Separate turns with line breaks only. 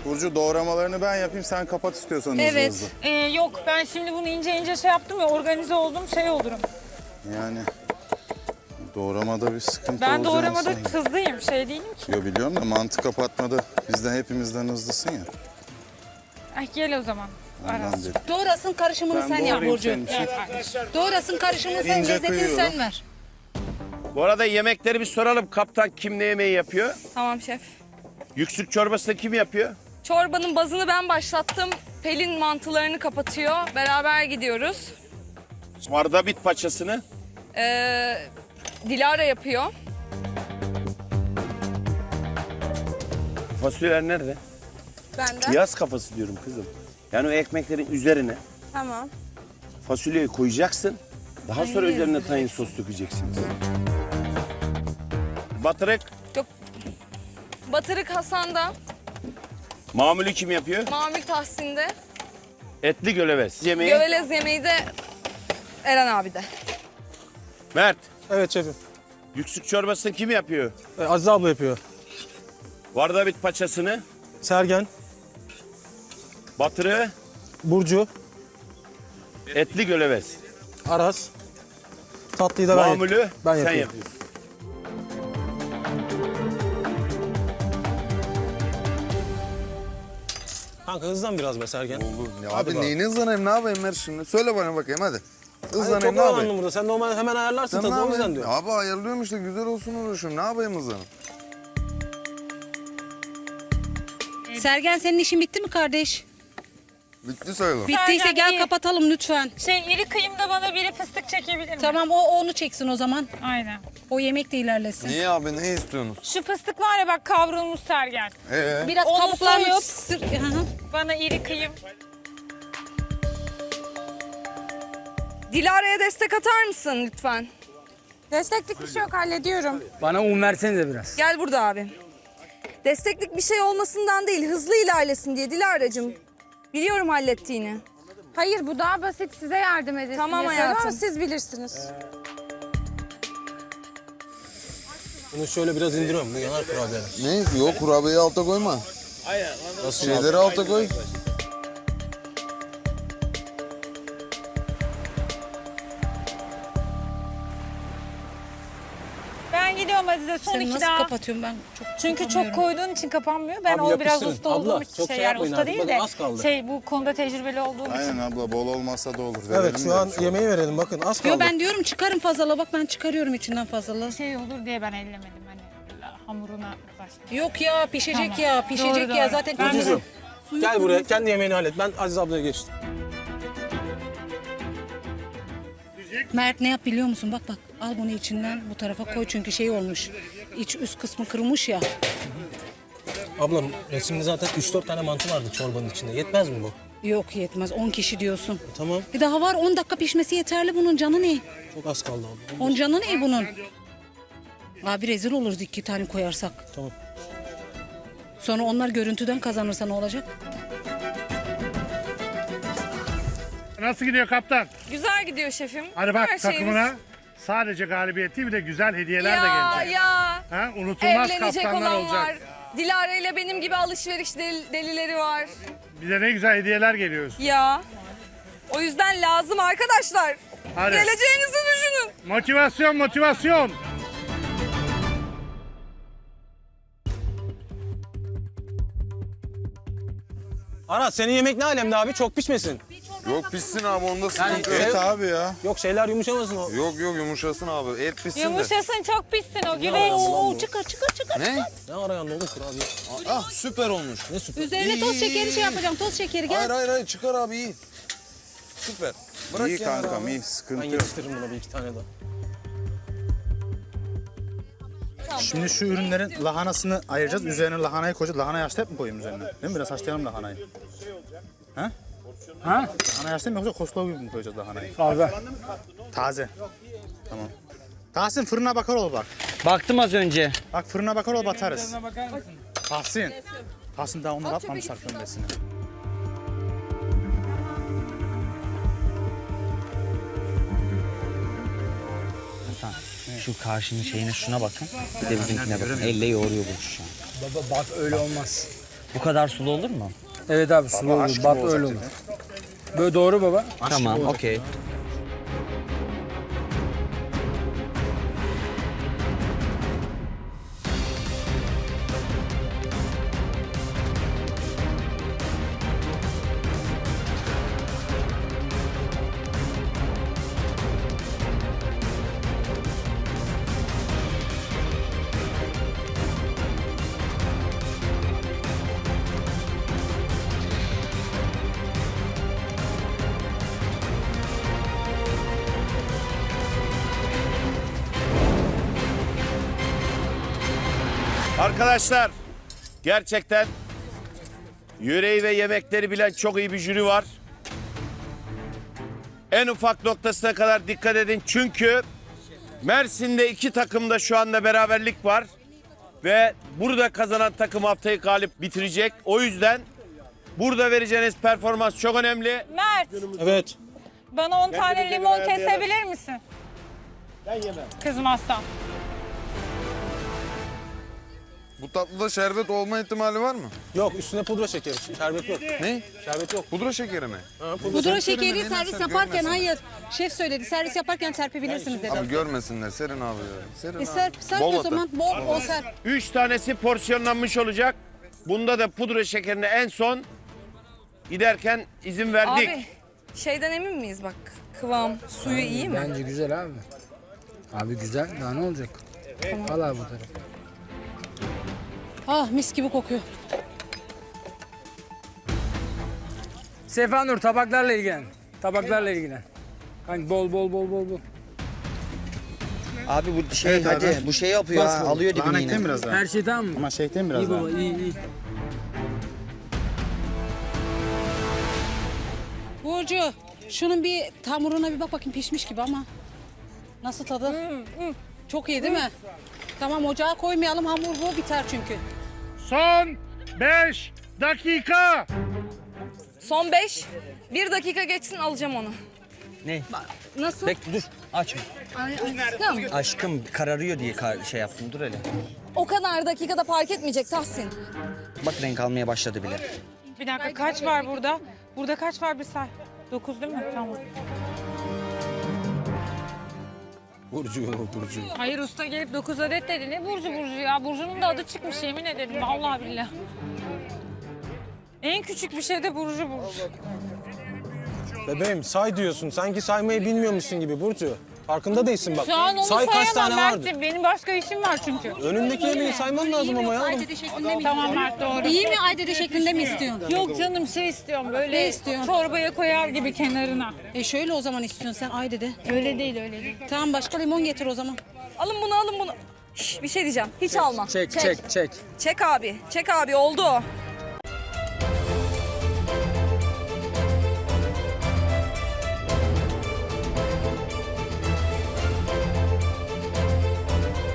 Burcu doğramalarını ben yapayım, sen kapat istiyorsan hızlı
Evet.
hızlı.
Yok ben şimdi bunu ince ince şey yaptım ya, organize oldum, şey olurum.
Yani doğramada bir sıkıntı
Ben
olacağını
doğramada
sanmıyorum.
hızlıyım, şey değilim ki.
Yo, biliyorum da mantı kapatmada bizden hepimizden hızlısın ya.
Ay gel o zaman.
Ondan
Aras.
dedim.
Doğrasın karışımını
Ben
sen yap
doğrayayım
Burcu.
senin için.
Doğrasın karışımını sen,
İnce
lezzetini
kıyıyorum.
sen ver.
Bu arada yemekleri bir soralım. Kaptan kim ne yemeği yapıyor?
Tamam şef.
Yüksük çorbasını kim yapıyor?
Çorbanın bazını ben başlattım. Pelin mantılarını kapatıyor. Beraber gidiyoruz.
Mardabit paçasını.
Dilara yapıyor.
Fasulyeler nerede?
Benden.
Yaz kafası diyorum kızım. Yani o ekmeklerin üzerine
Tamam.
fasulyeyi koyacaksın. Daha sonra üzerine tahin sos dökeceksiniz. Batırık.
Yok. Batırık Hasan'da.
Mamulü kim yapıyor?
Mamül Tahsin'de.
Etli göleves. Yemeği.
Gövelez yemeği de Eren abi de.
Mert.
Evet şefim.
Yüksük çorbasını kim yapıyor?
Azize abla yapıyor.
Vardabit paçasını.
Sergen,
Batırığı.
Burcu,
Etli göleves.
Aras. Tatlıyı da ben
Mamulü
ben
sen
yapıyorum.
yapıyorsun.
Kanka hızlan biraz be Sergen.
Ya
Hadi
abi
bak.
neyini hızlanayım, ne yapayım ver şimdi? Söyle bana bakayım hadi.
Hani
Hızlanayım,
çok
ne yapayım?
oyalandım burada. Sen normal hemen ayarlarsın
Sen ne
tadını o yüzden
yapayım?
diyorum.
Abi ayarlıyorum işte, güzel olsun uğraşıyorum. Ne yapayım hızlanayım?
Sergen senin işin bitti mi kardeş?
Bitti sayılır.
Bittiyse
Sergen,
gel
iyi.
kapatalım lütfen.
Şey iri kıyımda bana biri fıstık çekebilir mi?
Tamam o onu çeksin o zaman.
Aynen.
O yemek de ilerlesin.
Niye abi, ne istiyorsunuz?
Şu fıstık var ya bak, kavrulmuş Sergen.
Biraz
Onu
kabuklarını
soyup-
Hı hı.
Bana iri kıyım.
Dilara'ya destek atar mısın lütfen?
Desteklik bir şey yok, hallediyorum.
Bana un versenize biraz.
Gel burada abi. Desteklik bir şey olmasından değil, hızlı ilerlesin diye Dilara'cığım. Biliyorum hallettiğini.
Hayır bu daha basit, size yardım edesin.
Tamam
diye
hayatım.
söylüyorum, siz bilirsiniz.
Bunu şöyle biraz indiriyorum. Bu yanar kurabiyeler.
Ne? Yok, kurabiyeyi alta koyma.
Nasıl
Şeyleri alta koy.
Ben gidiyorum Azize, son
Seni
iki
nasıl
daha.
kapatıyorum ben?
Çünkü çok
yapamıyorum.
koyduğun için kapanmıyor. Ben
Abi
o biraz
yapıştırın.
usta
Abla,
olduğum için
çok
şey
şey
yani
yapmayın
usta
artık.
değil
Bakın
de
az kaldı.
şey bu konuda tecrübeli olduğum için.
Aynen abla, bol olmasa da olur.
Evet
Verelim
şu
de
an
bir şey
yemeği verelim bakın az kaldı.
Yo ben diyorum çıkarım fazlalığı, bak ben çıkarıyorum içinden fazlalığı.
Şey olur diye ben ellemedim hani hamuruna başladım.
Yok ya pişecek
Tamam.
ya pişecek
Doğru,
ya
doğru.
zaten.
Ben de-
Kızım, gel buraya kendi yemeğini hallet. Ben Aziz ablaya geçtim.
Mert ne yap biliyor musun? Bak bak al bunu içinden bu tarafa koy çünkü şey olmuş. İç üst kısmı kırılmış ya.
Ablam resimde zaten 3-4 tane mantı vardı çorbanın içinde. Yetmez mi bu?
Yok yetmez 10 kişi diyorsun.
Tamam.
Daha var 10 dakika pişmesi yeterli bunun, canı ne?
Çok az kaldı abla.
10 canı ne bunun? Abi rezil oluruz 2 tane koyarsak.
Tamam.
Sonra onlar görüntüden kazanırsa ne olacak?
Nasıl gidiyor kaptan?
Güzel gidiyor şefim.
Hadi bak
Her şeyimiz-
takımına sadece galibiyet değil, bir de güzel hediyeler de
Ya
gelecek.
ya.
Ha, unutulmaz
Evlenecek
kaptanlar
olan
olacak.
var. Dilara ile benim gibi alışveriş delileri var.
Bir de ne güzel hediyeler geliyor.
Ya. O yüzden lazım arkadaşlar.
Hadi.
Geleceğinizi düşünün.
Motivasyon, motivasyon.
Aras senin yemek ne alemde abi? Çok pişmesin.
Yok pişsin abi, onda sıkıntı
Evet
yok.
abi ya.
Yok şeyler yumuşamasın o.
Yok yumuşasın abi, et pişsin de.
Yumuşasın, çok pişsin o güveç.
Oo çıkar çıkar çıkar.
Ne?
Ne arayan oğlum kurabiye?
Ah süper olmuş.
Ne süper.
Üzerine toz şekeri şey yapacağım, toz şekeri gel.
Hayır çıkar abi, iyi. Süper. Bırak
İyi
kenara
kankam,
abi.
iyi,
Ben
sıkıntı yok.
yetiştiririm buna bir iki tane daha.
Şimdi şu ürünlerin lahanasını ayıracağız. Üzerine lahanayı koyacağız. Lahana haşlayıp mı koyayım üzerine? Değil mi? Biraz haşlayalım lahanayı. Ha?
Ha?
Lahana haşlayıp mı yoksa koslava gibi mi koyacağız lahanayı?
Taze.
Taze. Tamam. Tahsin fırına bakar ol bak.
Baktım az önce.
Bak fırına bakar ol batarız. Tahsin. Tahsin daha onları atmamışlar kömbesine.
Şu karşının şeyine şuna bakın. Bir de bizimkine bakın. Elle yoğuruyor bu şu an. Baba bak öyle olmaz. Bu kadar sulu olur mu?
Evet abi sulu
Baba,
olur.
aşk
Bat
gibi
öyle
olacak
olur.
dedi.
Böyle doğru baba.
Tamam, okey.
Arkadaşlar gerçekten yüreği ve yemekleri bilen çok iyi bir jüri var. En ufak noktasına kadar dikkat edin çünkü Mersin'de 2 takımda şu anda beraberlik var. Ve burada kazanan takım haftayı galip bitirecek. O yüzden burada vereceğiniz performans çok önemli.
Mert,
Evet.
bana 10 tane limon kesebilir misin?
Ben yemem.
Kızmazsan.
Bu tatlıda şerbet olma ihtimali var mı?
Yok üstüne pudra şekeri. Şerbet yok.
Ne?
Şerbet yok.
Pudra şekeri mi?
Pudra şekeri
Neden
servis
sen
yaparken
görmesin?
hayır. Şef söyledi servis yaparken serpebilirsiniz dedi.
Abi görmesinler Serin abi ya. Serin abi.
Serp
Bol
o
atın.
zaman bol serp.
3 tanesi porsiyonlanmış olacak. Bunda da pudra şekerine en son giderken izin verdik.
Abi şeyden emin miyiz bak? Kıvam, suyu iyi mi?
Bence güzel abi. Abi güzel. Daha ne olacak? Al abi bu tarafı.
Ah mis gibi kokuyor.
Sefa Nur tabaklarla ilgilen. Tabaklarla ilgilen. Hani bol.
Abi bu şey
Evet abi.
hadi bu şey yapıyor
Bas
ha,
bu.
alıyor
Lahana
dibini
ekleyin
yine.
biraz daha.
Her şey tamam mı?
Ama şey ekleyin biraz
İyi
daha.
baba iyi.
Burcu şunun bir hamuruna bir bak bakayım pişmiş gibi ama. Nasıl tadı? Çok iyi değil mi? Tamam ocağa koymayalım hamur bu biter çünkü.
Son 5 dakika.
Son 5. 1 dakika geçsin alacağım onu.
Ne?
Nasıl?
Bekle dur. Açma.
Aşkım.
Aşkım kararıyor diye şey yaptım. Dur hele.
O kadar dakikada fark etmeyecek Tahsin.
Bak renk almaya başladı bile.
Bir dakika kaç var burada? Burada kaç var bir say. 9 değil mi? Tamam.
Burcu.
Hayır usta gelip 9 adet dedi. Ne Burcu ya? Burcu'nun da adı çıkmış yemin ederim. Vallahi billahi. En küçük bir şey de Burcu.
Bebeğim say diyorsun. Sanki saymayı bilmiyormuşsun gibi Burcu. Farkında değilsin bak.
Şu an onu
Say kaç tane
sayamam
vardı.
Mert'im. Benim başka işim var çünkü.
Önündeki yemeği sayman lazım ama ya.
Aydede şeklinde mi
Tamam
istiyorsun?
Mert doğru.
İyi mi aydede şeklinde mi istiyorsun?
Yok canım şey istiyorum böyle
Ne istiyorsun?
çorbaya koyar gibi kenarına.
Şöyle o zaman istiyorsun sen aydede.
Öyle değil öyle değil.
Tamam başka limon getir o zaman.
Alın bunu alın bunu. Şş, bir şey diyeceğim. Hiç alma.
Çek.
Çek abi. Çek abi oldu o.